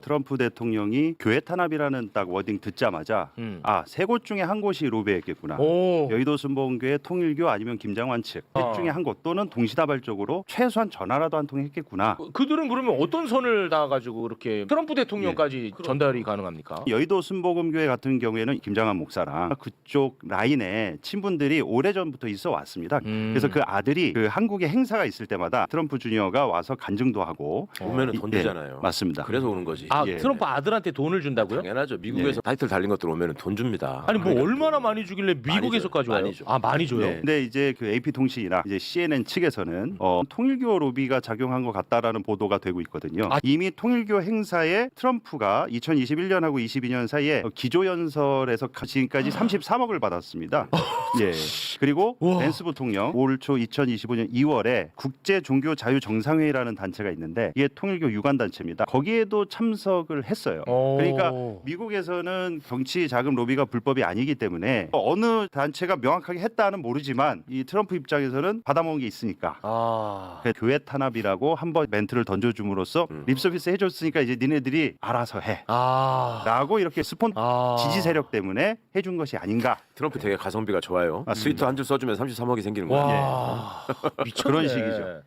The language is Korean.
트럼프 대통령이 교회 탄압이라는 딱 워딩 듣자마자 세 곳 중에 한 곳이 로비했겠구나. 오. 여의도 순복음교회, 통일교 아니면 김장환 측 셋 중에 한 곳 또는 동시다발적으로 최소한 전화라도 한 통 했겠구나. 그들은 그러면 어떤 선을 닿아가지고 그렇게 트럼프 대통령까지 전달이 가능합니까? 여의도 순복음교회 같은 경우에는 김장환 목사랑 그쪽 라인에 친분들이 오래전부터 있어 왔습니다. 그래서 그 아들이 그 한국에 행사가 있을 때마다 트럼프 주니어가 와서 간증도 하고 오면은 돈 주잖아요. 맞습니다. 그래서 오는 거지. 아 예. 트럼프 아들한테 돈을 준다고요? 당연하죠. 미국에서 타이틀 달린 것들 오면은 돈 줍니다. 아니 뭐 그러니까 얼마나 많이 주길래 미국에서까지 와요? 많이 줘. 아 많이 줘요? 네. 근데 이제 그 AP 통신이나 이제 CNN 측에서는 통일교 로비가 작용한 것 같다라는 보도가 되고 있거든요. 이미 통일교 행사에 트럼프가 2021년하고 22년 사이에 기조연설에서 지금까지 33억을 받았습니다. 예. 그리고 벤스 부통령 올 초 2025년 2월에 국제 종교 자유 정상회의라는 단체가 있는데 이게 통일교 유관 단체입니다. 거기에도 참석을 했어요. 그러니까 미국에서는 정치 자금 로비가 불법이 아니기 때문에 어느 단체가 명확하게 했다는 모르지만 이 트럼프 입장에서는 받아먹은 게 있으니까 그래서 교회 탄압이라고 한번 멘트를 던져줌으로써 립서비스 해줬으니까 이제 니네들이 알아서 해 라고 이렇게 스폰 지지 세력 때문에 해준 것이 아닌가. 트럼프 되게 가성비가 좋아요. 맞습니다. 스위트 한 줄 써주면 33억이 생기는 거예요. 와 미쳤네. 그런 식이죠.